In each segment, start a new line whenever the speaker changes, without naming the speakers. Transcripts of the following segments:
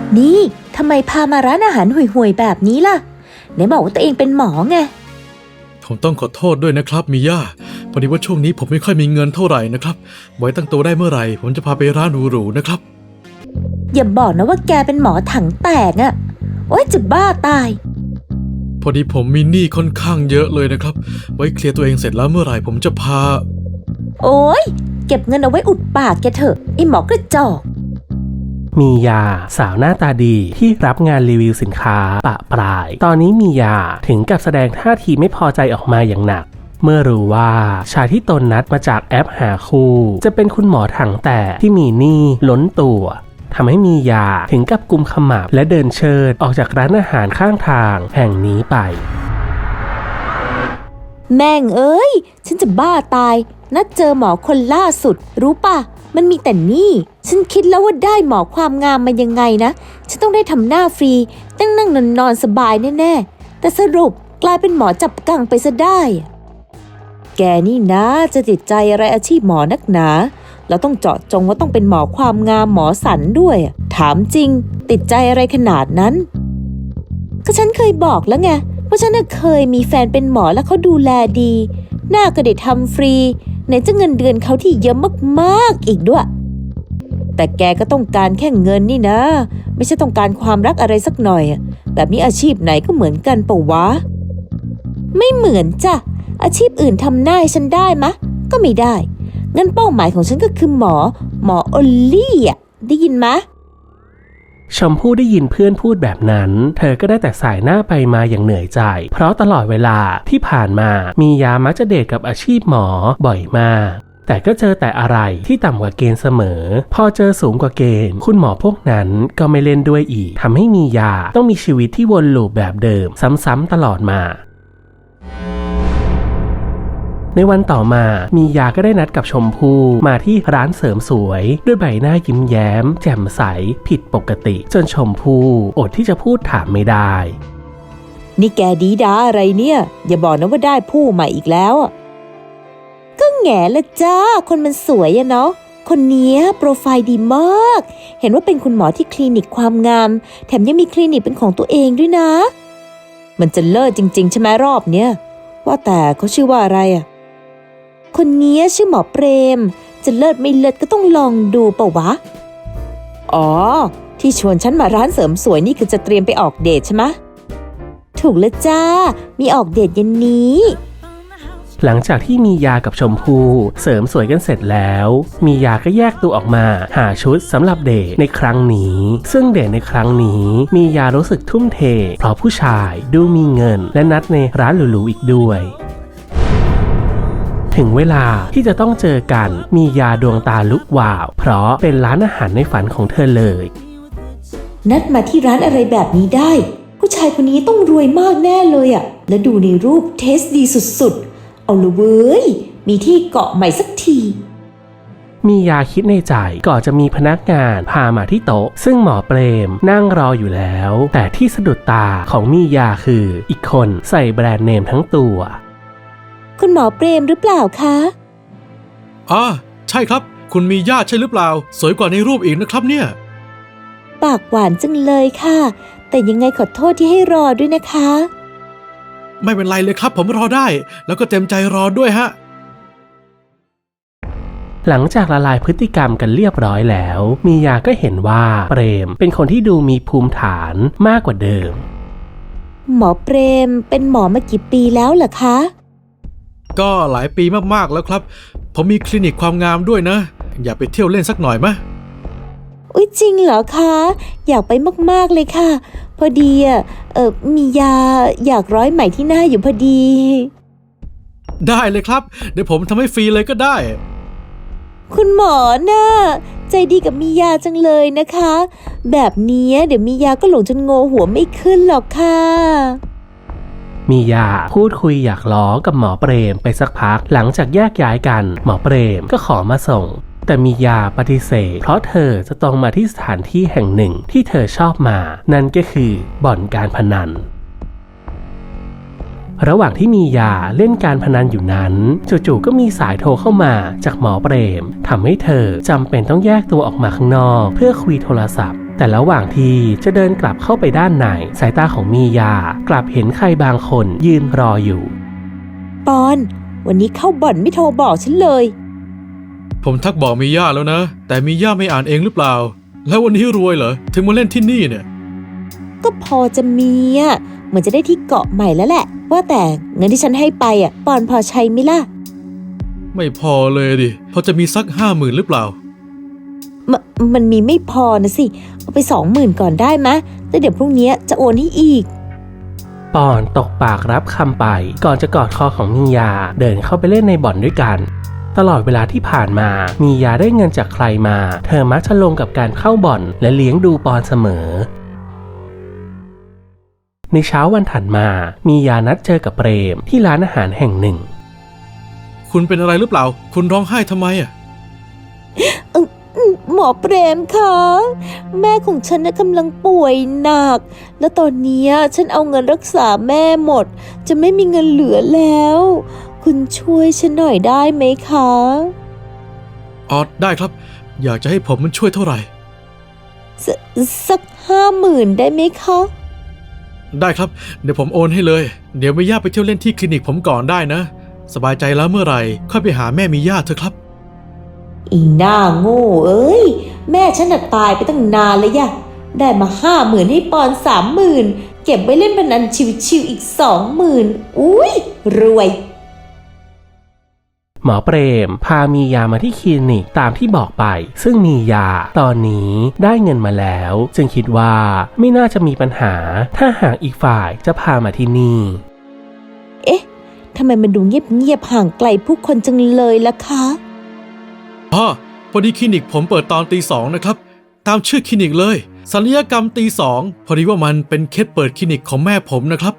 นี่ทำไมพามาร้านอาหารห่วยๆแบบนี้ล่ะไหนบอกว่าตัวเองเป็นหมอไง
ผมต้องขอโทษด้วยนะครับมิย่าพอดีว่าช่วงนี้ผมไม่ค่อยมีเงินเท่าไหร่นะครับไว้ตั้งตัวได้เมื่อไหร่ผมจะพาไปร้านหรูๆนะครับ
อย่าบอกนะว่าแกเป็นหมอถังแตกอะโอ๊ยจะบ้าตาย
พอดีผมมีหนี้ค่อนข้างเยอะเลยนะครับไว้เคลียร์ตัวเองเสร็จแล้วเมื่อไหร่ผมจะพา
โอ๊ยเก็บเงินเอาไว้อุดปากแกเถอะไอ้หมอกระจอก
มียาสาวหน้าตาดีที่รับงานรีวิวสินค้าปะปลายตอนนี้มียาถึงกับแสดงท่าทีไม่พอใจออกมาอย่างหนักเมื่อรู้ว่าชายที่ตนนัดมาจากแอปหาคู่จะเป็นคุณหมอถังแตกที่มีหนี้ล้นตัวทำให้มียาถึงกับกุมขมับและเดินเชิดออกจากร้านอาหารข้างทางแห่งนี้ไป
แม่งเอ้ยฉันจะบ้าตายนัดเจอหมอคนล่าสุดรู้ป่ะมันมีแต่นี่ฉันคิดแล้วว่าได้หมอความงามมายังไงนะฉันต้องได้ทำหน้าฟรีนั่งนอนสบายแน่ๆแต่สรุปกลายเป็นหมอจับกังไปซะได้แกนี่นะจะติดใจอะไรอาชีพหมอนักหนาเราต้องเจาะจงว่าต้องเป็นหมอความงามหมอสันด้วยถามจริงติดใจอะไรขนาดนั้นก็ฉันเคยบอกแล้วไงว่าฉันเคยมีแฟนเป็นหมอแล้วเขาดูแลดีหน้าก็ได้ทำฟรีไหนจะเงินเดือนเขาที่เยอะมากๆอีกด้วยแต่แกก็ต้องการแค่เงินนี่นะไม่ใช่ต้องการความรักอะไรสักหน่อยแบบนี้อาชีพไหนก็เหมือนกันปะวะไม่เหมือนจ้ะอาชีพอื่นทำหน้าให้ฉันได้มะก็ไม่ได้งั้นเป้าหมายของฉันก็คือหมอโอลลี่ได้ยินมะ
ชมพู่ได้ยินเพื่อนพูดแบบนั้นเธอก็ได้แต่สายหน้าไปมาอย่างเหนื่อยใจเพราะตลอดเวลาที่ผ่านมามียามักจะเดทกับอาชีพหมอบ่อยมากแต่ก็เจอแต่อะไรที่ต่ำกว่าเกณฑ์เสมอพอเจอสูงกว่าเกณฑ์คุณหมอพวกนั้นก็ไม่เล่นด้วยอีกทำให้มียาต้องมีชีวิตที่วนลูปแบบเดิมซ้ำๆตลอดมาในวันต่อมามียาก็ได้นัดกับชมพู่มาที่ร้านเสริมสวยด้วยใบหน้ายิ้มแย้มแจ่มใสผิดปกติจนชมพู่อดที่จะพูดถามไม่ได้
นี่แกดีดาอะไรเนี่ยอย่าบอกนะว่าได้ผู้ใหม่อีกแล้วก็แง่ละจ้าคนมันสวยเนาะคนนี้โปรไฟล์ดีมากเห็นว่าเป็นคุณหมอที่คลินิกความงามแถมยังมีคลินิกเป็นของตัวเองด้วยนะมันจะเลิศจริงๆใช่ไหมรอบเนี้ยว่าแต่เขาชื่อว่าอะไรคนนี้ชื่อหมอเปรมจะเลิศไม่เลิศก็ต้องลองดูเปล่าวะอ๋อที่ชวนฉันมาร้านเสริมสวยนี่คือจะเตรียมไปออกเดทใช่ไหมถูกแล้วจ้ามีออกเดทเย็นนี้
หลังจากที่มียากับชมพู่เสริมสวยกันเสร็จแล้วมียาก็แยกตัวออกมาหาชุดสำหรับเดทในครั้งนี้ซึ่งเดทในครั้งนี้มียารู้สึกทุ่มเทเพราะผู้ชายดูมีเงินและนัดในร้านหรูๆอีกด้วยถึงเวลาที่จะต้องเจอกันมียาดวงตาลุกวาวเพราะเป็นร้านอาหารในฝันของเธอเลย
นัดมาที่ร้านอะไรแบบนี้ได้ผู้ชายคนนี้ต้องรวยมากแน่เลยและดูในรูปเทสดีสุดๆเอาละเว้ยมีที่เกาะใหม่สักที
มียาคิดในใจก่อนจะมีพนักงานพามาที่โต๊ะซึ่งหมอเปรมนั่งรออยู่แล้วแต่ที่สะดุดตาของมียาคืออีกคนใส่แบรนด์เนมทั้งตัว
คุณหมอเปรมหรือเปล่าคะ
ใช่ครับคุณมีญาติใช่หรือเปล่าสวยกว่าในรูปอีกนะครับเนี่ย
ปากหวานจังเลยค่ะแต่ยังไงขอโทษที่ให้รอด้วยนะคะ
ไม่เป็นไรเลยครับผมรอได้แล้วก็เต็มใจรอด้วยฮะ
หลังจากละลายพฤติกรรมกันเรียบร้อยแล้วมียาก็เห็นว่าเปรมเป็นคนที่ดูมีภูมิฐานมากกว่าเดิม
หมอเปรมเป็นหมอมากี่ปีแล้วเหรอคะ
ก็หลายปีมากๆแล้วครับผมมีคลินิกความงามด้วยนะอย่าไปเที่ยวเล่นสักหน่อยมะ
อุ๊ยจริงเหรอคะอยากไปมากๆเลยค่ะพอดีมียาอยากร้อยไหมที่หน้าอยู่พอดี
ได้เลยครับเดี๋ยวผมทำให้ฟรีเลยก็ได้
คุณหมอน่ะใจดีกับมียาจังเลยนะคะแบบนี้เดี๋ยวมียาก็หลงจนโงหัวไม่ขึ้นหรอกค่ะ
มียาพูดคุยอยากล้อกับหมอเปรมไปสักพักหลังจากแยกย้ายกันหมอเปรมก็ขอมาส่งแต่มียาปฏิเสธเพราะเธอจะต้องมาที่สถานที่แห่งหนึ่งที่เธอชอบมานั่นก็คือบ่อนการพนันระหว่างที่มียาเล่นการพนันอยู่นั้นจู่ๆก็มีสายโทรเข้ามาจากหมอเปรมทำให้เธอจำเป็นต้องแยกตัวออกมาข้างนอกเพื่อคุยโทรศัพท์แต่ระหว่างที่จะเดินกลับเข้าไปด้านในสายตาของมียากลับเห็นใครบางคนยืนรออยู่
ปอนวันนี้เข้าบ่อนไม่โทรบอกฉันเลย
ผมทักบอกมีย่าแล้วนะ แต่มีย่าไม่อ่านเองหรือเปล่า แล้ววันนี้รวยเหรอถึงมาเล่นที่นี่เนี่ย
ก็พอจะมีอ่ะเหมือนจะได้ที่เกาะใหม่แล้วแหละว่าแต่เงินที่ฉันให้ไปอ่ะปอนพอใช้ไหมล่ะ
ไม่พอเลยดิพอจะมีสัก50,000หรือเปล่า
มันมีไม่พอนะสิเอาไป20,000ก่อนได้ไหมแล้วเดี๋ยวพรุ่งนี้จะโอนให้อีก
ปอนตกปากรับคำไปก่อนจะกอดคอของมียาเดินเข้าไปเล่นในบ่อนด้วยกันตลอดเวลาที่ผ่านมามียาได้เงินจากใครมาเธอมักจะลงกับการเข้าบ่อนและเลี้ยงดูปอนเสมอในเช้าวันถัดมามียานัดเจอกับเปรมที่ร้านอาหารแห่งหนึ่ง
คุณเป็นอะไรหรือเปล่าคุณร้องไห้ทำไมอ่ะ
หมอเปรมคะแม่ของฉันน่ะกำลังป่วยหนักและตอนนี้ฉันเอาเงินรักษาแม่หมดจะไม่มีเงินเหลือแล้วคุณช่วยฉันหน่อยได้ไหมคะ
อ๋อได้ครับอยากจะให้ผมมันช่วยเท่าไหร่
สัก50,000ได้ไหมคะ
ได้ครับเดี๋ยวผมโอนให้เลยเดี๋ยวมีย่าไปเที่ยวเล่นที่คลินิกผมก่อนได้นะสบายใจแล้วเมื่อไหร่ค่อยไปหาแม่มีย่าเถอะครับ
อีหน้าโง่เอ้ยแม่ฉันน่ะตายไปตั้งนานแล้วยะได้มา50,000ให้ปอน30,000เก็บไว้เล่นพนันชิวๆอีก20,000อุ้ยรวย
หมอเปรมพามียามาที่คลินิกตามที่บอกไปซึ่งมียาตอนนี้ได้เงินมาแล้วจึงคิดว่าไม่น่าจะมีปัญหาถ้าหากอีกฝ่ายจะพามาที่นี่
เอ๊ะทำไมมันดูเงียบๆห่างไกลผู้คนจังเลยล่ะคะ
อ๋อพอดีคลินิกผมเปิดตอนตี 2นะครับตามชื่อคลินิกเลยศัลยกรรมตี 2พอดีว่ามันเป็นเคสเปิดคลินิกของแม่ผมนะครับ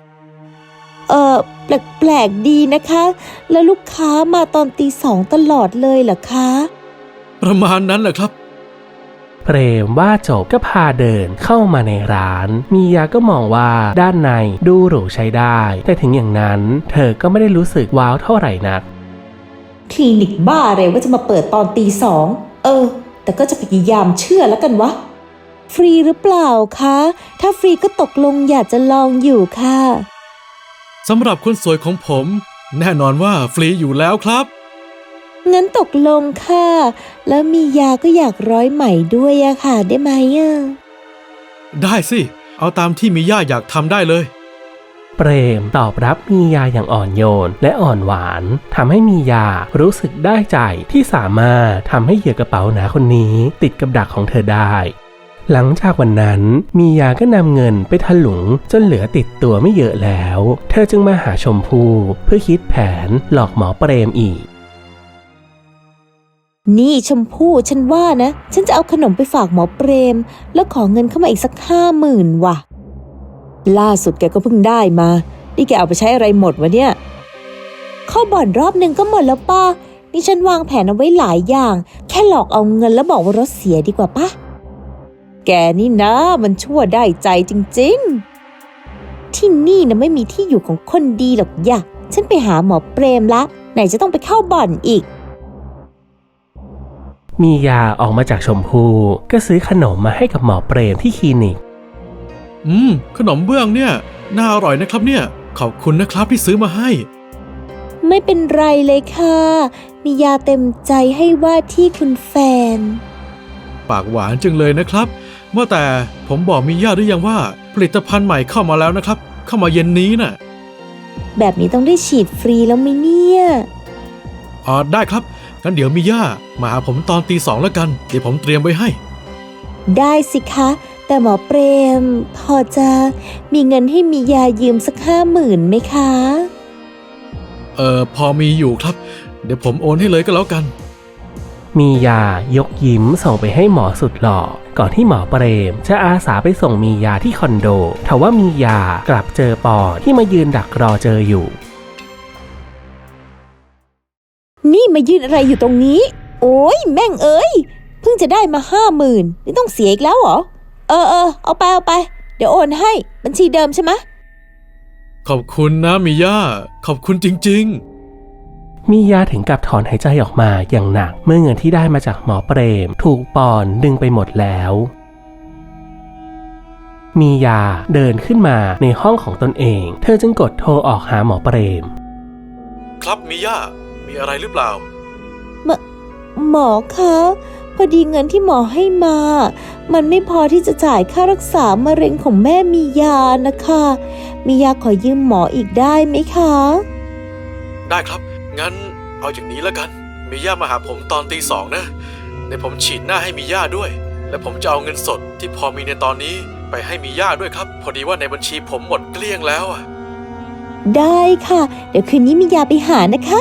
แปลกๆดีนะคะ แล้วลูกค้ามาตอนตี 2ตลอดเลยเหรอคะ
ประมาณนั้นแหละครับ
เปรมว่าจบก็พาเดินเข้ามาในร้านมียาก็มองว่าด้านในดูหรูใช้ได้แต่ถึงอย่างนั้นเธอก็ไม่ได้รู้สึกว้าวเท่าไหร่นัก
คลินิกบ้าอะไรว่าจะมาเปิดตอนตี 2แต่ก็จะพยายามเชื่อแล้วกันวะฟรีหรือเปล่าคะถ้าฟรีก็ตกลงอยากจะลองอยู่ค่ะ
สำหรับคนสวยของผมแน่นอนว่าฟรีอยู่แล้วครับ
งั้นตกลงค่ะแล้วมียาก็อยากร้อยใหม่ด้วยอะค่ะได้ไหมอะ
ได้สิเอาตามที่มีย่าอยากทำได้เลย
เปรมตอบรับมียาอย่างอ่อนโยนและอ่อนหวานทำให้มียารู้สึกได้ใจที่สามารถทำให้เหยื่อกระเป๋าหนาคนนี้ติดกับดักของเธอได้หลังจากวันนั้นมียาก็นำเงินไปถลุงจนเหลือติดตัวไม่เยอะแล้วเธอจึงมาหาชมพู่เพื่อคิดแผนหลอกหมอเปรมอีก
นี่ชมพู่ฉันว่านะฉันจะเอาขนมไปฝากหมอเปรมแล้วขอเงินเข้ามาอีกสัก50,000ว่ะล่าสุดแกก็เพิ่งได้มานี่แกเอาไปใช้อะไรหมดวะเนี่ยเข้าบ่อนรอบนึงก็หมดแล้วป้านี่ฉันวางแผนเอาไว้หลายอย่างแค่หลอกเอาเงินแล้วบอกว่ารถเสียดีกว่าป้าแกนี่นะมันชั่วได้ใจจริงๆที่นี่นะไม่มีที่อยู่ของคนดีหรอกย่ะฉันไปหาหมอเปรมละไหนจะต้องไปเข้าบ่อนอีก
มียาออกมาจากชมพู่ก็ซื้อขนมมาให้กับหมอเปรมที่คลินิก
ขนมเบื้องเนี่ยน่าอร่อยนะครับเนี่ยขอบคุณนะครับที่ซื้อมาให้
ไม่เป็นไรเลยค่ะมียาเต็มใจให้ว่าที่คุณแฟน
ปากหวานจังเลยนะครับว่าแต่ผมบอกมีย่าหรือยังว่าผลิตภัณฑ์ใหม่เข้ามาแล้วนะครับเข้ามาเย็นนี้น่ะ
แบบนี้ต้องได้ฉีดฟรีแล้วไหมเนี่ย
อ๋อได้ครับงั้นเดี๋ยวมีย่ามาหาผมตอนตี 2แล้วกันเดี๋ยวผมเตรียมไว้ให้
ได้สิคะแต่หมอเปรมพอจะมีเงินให้มียายืมสัก50,000ไหมคะ
พอมีอยู่ครับเดี๋ยวผมโอนให้เลยก็แล้วกัน
มียายกยิ้มส่งไปให้หมอสุดหล่อก่อนที่หมอเปรมจะอาสาไปส่งมียาที่คอนโดทว่ามียากลับเจอปอที่มายืนดักรอเจออยู่
นี่มายืนอะไรอยู่ตรงนี้โอ้ยแม่งเอ้ยเพิ่งจะได้มา50,000นี่ต้องเสียอีกแล้วเหรอเอาไปเดี๋ยวโอนให้บัญชีเดิมใช่ไหม
ขอบคุณนะมีย่าขอบคุณจริงๆ
มียาถึงกับถอนหายใจออกมาอย่างหนักเมื่อเงินที่ได้มาจากหมอเปรมถูกปอนดึงไปหมดแล้วมียาเดินขึ้นมาในห้องของตนเอง เธอจึงกดโทรออกหาหมอเปรม
ครับมิย่ามีอะไรหรือเปล่า
หมอคะพอดีเงินที่หมอให้มา มันไม่พอที่จะจ่ายค่ารักษามะเร็งของแม่มียานะคะมียาขอยืมหมออีกได้ไหมคะ
ได้ครับ งั้นเอาอย่างนี้แล้วกันมิย่ามาหาผมตอนตี 2นะในผมฉีดหน้าให้มิย่าด้วย และผมจะเอาเงินสดที่พอมีในตอนนี้ไปให้มิย่าด้วยครับ พอดีว่าในบัญชีผมหมดเกลี้ยงแล้วอะ
ได้ค่ะ เดี๋ยวคืนนี้มียาไปหานะคะ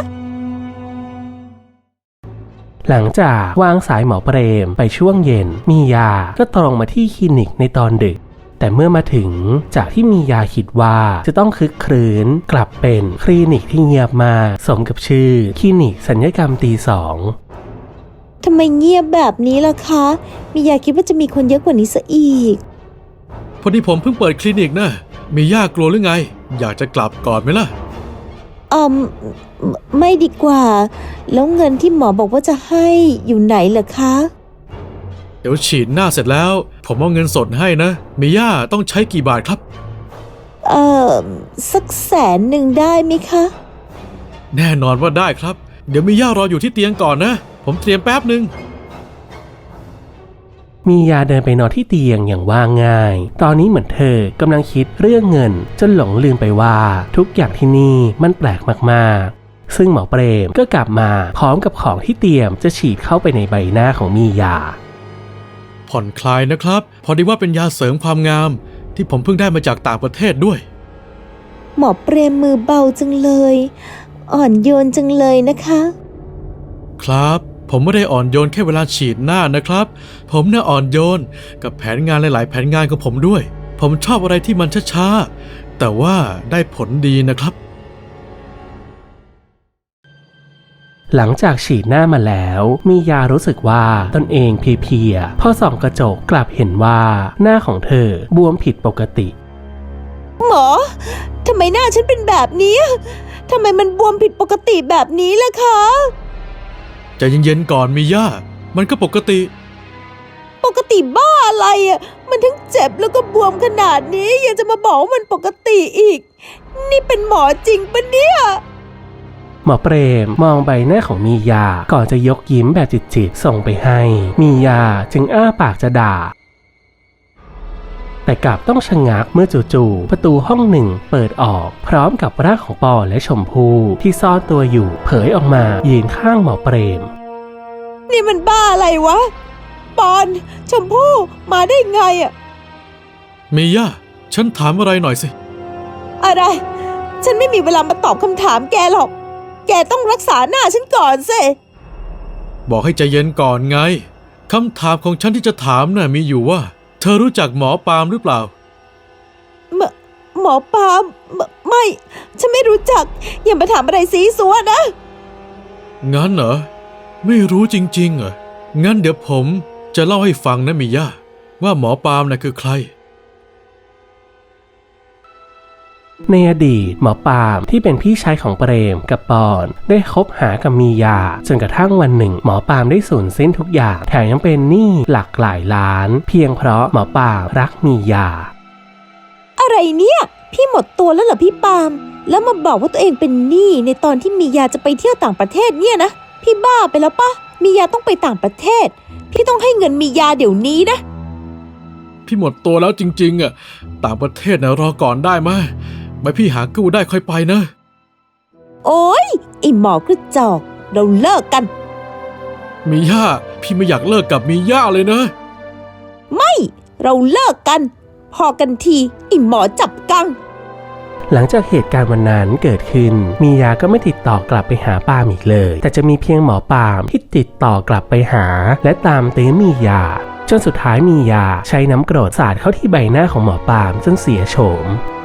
หลังจากวางสายหมอเปรมไปช่วงเย็นมียาก็ตรงมาที่คลินิกในตอนดึก แต่เมื่อมาถึงจากที่มียาคิดว่าจะต้องคึกครื้นกลับเป็นคลินิกที่เงียบมากสมกับชื่อคลินิกศัลยกรรมตี 2
ทำไมเงียบแบบนี้ล่ะคะ มียาคิดว่าจะมีคนเยอะกว่านี้ซะอีก
พอดีผมเพิ่งเปิดคลินิกนะมิย่ากลัวหรือไง อยากจะกลับก่อนไหมล่ะ
ไม่ดีกว่า แล้วเงินที่หมอบอกว่าจะให้อยู่ไหนเหรอคะ
เดี๋ยวฉีดหน้าเสร็จแล้ว ผมเอาเงินสดให้นะมิย่าต้องใช้กี่บาทครับ
สัก100,000ได้ไหมคะ
แน่นอนว่าได้ครับ เดี๋ยวมิย่ารออยู่ที่เตียงก่อนนะ ผมเตรียมแป๊บหนึ่ง
มียาเดินไปนอนที่เตียงอย่างว่าง่าย ตอนนี้เหมือนเธอกำลังคิดเรื่องเงินจนหลงลืมไปว่าทุกอย่างที่นี่มันแปลกมากๆซึ่งหมอเปรมก็กลับมาพร้อมกับของที่เตรียมจะฉีดเข้าไปในใบหน้าของมียา
ผ่อนคลายนะครับ พอดีว่าเป็นยาเสริมความงาม ที่ผมเพิ่งได้มาจากต่างประเทศด้วย
หมอเปรมมือเบาจังเลย อ่อนโยนจังเลยนะคะ
ครับ ผมไม่ได้อ่อนโยนแค่เวลาฉีดหน้านะครับ ผมน่ะอ่อนโยนกับแผนงานหลายๆแผนงานของผมด้วย ผมชอบอะไรที่มันช้าๆแต่ว่าได้ผลดีนะครับ
หลังจากฉีดหน้ามาแล้วมียารู้สึกว่าตนเองเพลียๆพอส่องกระจกกลับเห็นว่าหน้าของเธอบวมผิดปกติ
หมอ ทำไมหน้าฉันเป็นแบบนี้ ทำไมมันบวมผิดปกติแบบนี้ล่ะคะ
ใจเย็นๆก่อนมิย่ามันก็ปกติ
ปกติบ้าอะไรอ่ะ มันทั้งเจ็บแล้วก็บวมขนาดนี้ยังจะมาบอกว่ามันปกติอีก นี่เป็นหมอจริงปะเนี่ย
หมอเปรมมองใบหน้าของมียาก่อนจะยกยิ้มแบบจิตๆส่งไปให้มียาจึงอ้าปากจะด่าแต่กลับต้องชะงักเมื่อจู่ๆประตูห้องหนึ่งเปิดออกพร้อมกับร่างของปอและชมพู่ที่ซ่อนตัวอยู่เผยออกมายืนข้างหมอเปรม
นี่มันบ้าอะไรวะ ปอน ชมพู่มาได้ไงอ่ะ
มิย่าฉันถามอะไรหน่อยสิ
อะไร ฉันไม่มีเวลามาตอบคำถามแกหรอก แกต้องรักษาหน้าฉันก่อนสิ
บอกให้ใจเย็นก่อนไงคำถามของฉันที่จะถามน่ะมีอยู่ว่า เธอรู้จักหมอปาล์มหรือเปล่า
หมอปาล์มไม่ ฉันไม่รู้จัก อย่ามาถามอะไรซีซัวนะ
งั้นเหรอไม่รู้จริงๆเหรองั้นเดี๋ยวผมจะเล่าให้ฟังนะมิย่าว่าหมอปาล์มน่ะคือใคร
ในอดีตหมอปาล์มที่เป็นพี่ชายของเปรมกับปอนได้คบหากับมียาจนกระทั่งวันหนึ่งหมอปาล์มได้สูญสิ้นทุกอย่างแถมยังเป็นหนี้หลักหลายล้านเพียงเพราะหมอปาล์มรักมียา
อะไรเนี่ย พี่หมดตัวแล้วเหรอพี่ปาล์มแล้วมาบอกว่าตัวเองเป็นหนี้ในตอนที่มียาจะไปเที่ยวต่างประเทศเนี่ยนะ พี่บ้าไปแล้วปะมียาต้องไปต่างประเทศ พี่ต้องให้เงินมียาเดี๋ยวนี้นะ
พี่หมดตัวแล้วจริงๆอ่ะต่างประเทศนะรอก่อนได้ไหมไว้พี่หากู้ได้ค่อยไปนะ
โอ๊ยไอหมอกระจอกเราเลิกกัน
มิย่าพี่ไม่อยากเลิกกับมิย่าเลยนะ
ไม่เราเลิกกัน พอกันทีไอหมอจับกัง
หลังจากเหตุการณ์วันนั้นเกิดขึ้นมียาก็ไม่ติดต่อกลับไปหาปาล์มอีกเลยแต่จะมีเพียงหมอปาล์มที่ติดต่อกลับไปหาและตามตื้อมียาจนสุดท้ายมียาใช้น้ำกรดสาดเข้าที่ใบหน้าของหมอปาล์มจนเสียโฉม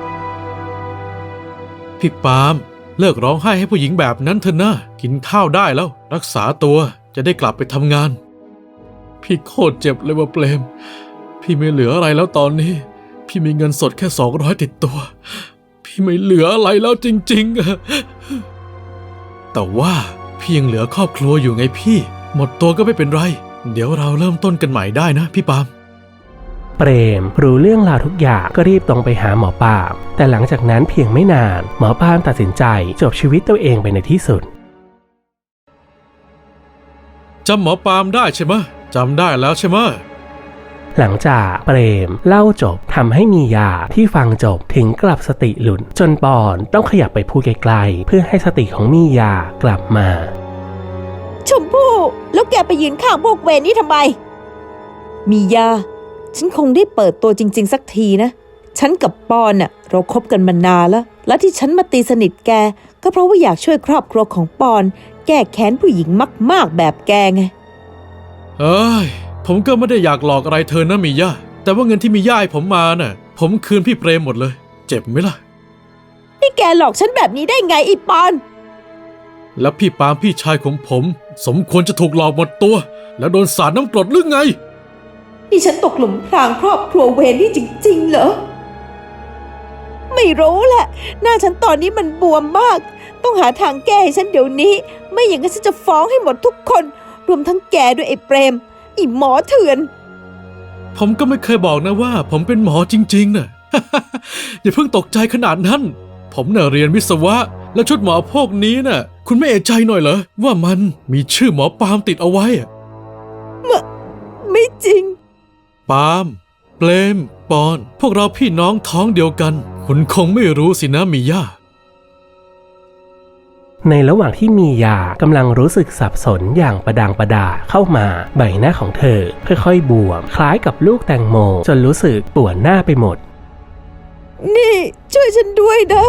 พี่ปาล์มเลิกร้องไห้ให้ผู้หญิงแบบนั้นเถอะนะกินข้าวได้แล้วรักษาตัวจะได้กลับไปทำงานพี่โคตรเจ็บเลยว่าเปรมพี่ไม่เหลืออะไรแล้วตอนนี้พี่มีเงินสดแค่200ติดตัวพี่ไม่เหลืออะไรแล้วจริงๆอะแต่ว่าพี่ยังเหลือครอบครัวอยู่ไงพี่หมดตัวก็ไม่เป็นไรเดี๋ยวเราเริ่มต้นกันใหม่ได้นะพี่ปาล์ม
เปรมรู้เรื่องราวทุกอย่างก็รีบตรงไปหาหมอปาล์มแต่หลังจากนั้นเพียงไม่นานหมอปาล์มตัดสินใจจบชีวิตตัวเองไปในที่สุด
จำหมอปาล์มได้ใช่ไหมจำได้แล้วใช่ไหม
หลังจากเปรมเล่าจบทำให้มียาที่ฟังจบถึงกลับสติหลุดจนปอนต้องขยับไปพูดไกลๆเพื่อให้สติของมียากลับมา
ชมพู่แล้วแกไปยืนข้างพวกเวรนี่ทำไมมียาฉันคงได้เปิดตัวจริงๆสักทีนะฉันกับปอนน่ะเราคบกันมานานแล้วและที่ฉันมาตีสนิทแกก็เพราะว่าอยากช่วยครอบครัวของปอนแก้แค้นผู้หญิงมากๆแบบแกไง
เอ้ยผมก็ไม่ได้อยากหลอกอะไรเธอนะมีย่าแต่ว่าเงินที่มีย่าให้ผมมาน่ะผมคืนพี่เปรมหมดเลยเจ็บไหมล่ะ
นี่แกหลอกฉันแบบนี้ได้ไงอีปอน
แล้วพี่ปาล์มพี่ชายของผมสมควรจะถูกหลอกหมดตัวแล้วโดนสาดน้ำกรดหรือไง
นี่ฉันตกหลุมพรางครอบครัวเวรนี่จริงๆเหรอไม่รู้แหละหน้าฉันตอนนี้มันบวมมากต้องหาทางแก้ให้ฉันเดี๋ยวนี้ไม่อย่างนั้นฉันจะฟ้องให้หมดทุกคนรวมทั้งแกด้วยไอ้เปรมไอ้หมอเถื่อน
ผมก็ไม่เคยบอกนะว่าผมเป็นหมอจริงๆน่ะ อย่าเพิ่งตกใจขนาดนั้นผมน่ะเรียนวิศวะแล้วชุดหมอพวกนี้น่ะคุณไม่เอะใจหน่อยเหรอว่ามันมีชื่อหมอปาล์มติดเอาไว้
ไม่จริง
ปาล์มเปรมปอนพวกเราพี่น้องท้องเดียวกันคุณคงไม่รู้สินะมีย่า
ในระหว่างที่มียากำลังรู้สึกสับสนอย่างประดางประดาเข้ามาใบหน้าของเธอค่อยๆบวมคล้ายกับลูกแตงโมจนรู้สึกปวดหน้าไปหมด
นี่ช่วยฉันด้วยนะ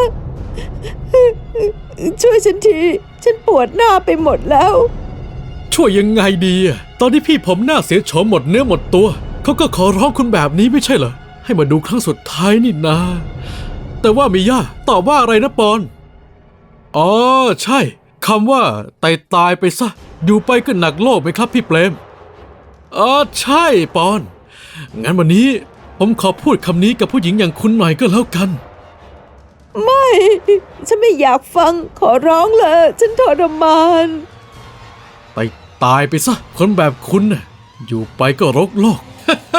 ช่วยฉันทีฉันปวดหน้าไปหมดแล้ว
ช่วยยังไงดีตอนที่พี่ผมหน้าเสียโฉมหมดเนื้อหมดตัวเขาก็ขอร้องคุณแบบนี้ไม่ใช่เหรอให้มาดูครั้งสุดท้ายนี่นาแต่ว่ามีย่าตอบว่าอะไรนะปอนอ๋อใช่คำว่าตายไปซะอยู่ไปก็หนักโลกไหมครับพี่เปรมใช่ปอนงั้นวันนี้ผมขอพูดคำนี้กับผู้หญิงอย่างคุณหน่อยก็แล้วกัน
ไม่ฉันไม่อยากฟังขอร้องเลยฉันทรมาน
ตายไปซะคนแบบคุณน่ะอยู่ไปก็รกโลก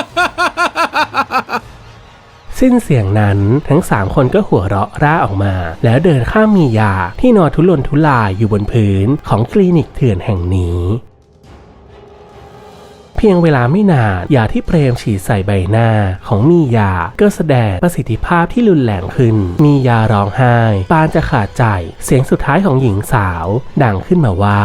สิ้นเสียงนั้นทั้ง3คนก็หัวเราะร่าออกมาแล้วเดินข้ามมียาที่นอนทุรนทุรายอยู่บนพื้นของคลินิกเถื่อนแห่งนี้เพียงเวลาไม่นานยาที่เปรมฉีดใส่ใบหน้าของมียาก็แสดงประสิทธิภาพที่รุนแรงขึ้นมียาร้องไห้ปานจะขาดใจเสียงสุดท้ายของหญิงสาวดังขึ้นมาว่า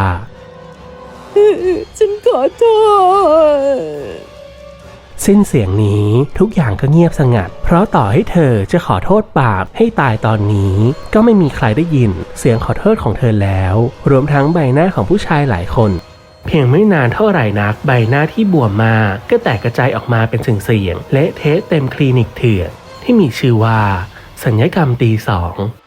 ฉันขอโทษ
สิ้นเสียงนี้ทุกอย่างก็เงียบสงัดเพราะต่อให้เธอจะขอโทษปาล์มให้ตายตอนนี้ก็ไม่มีใครได้ยินเสียงขอโทษของเธอแล้วรวมทั้งใบหน้าของผู้ชายหลายคนเพียงไม่นานเท่าไหร่นักใบหน้าที่บวมมาก็แตกกระจายออกมาเป็นเสียงเละเทะเต็มคลินิกเถื่อนที่มีชื่อว่าศัลยกรรมตี 2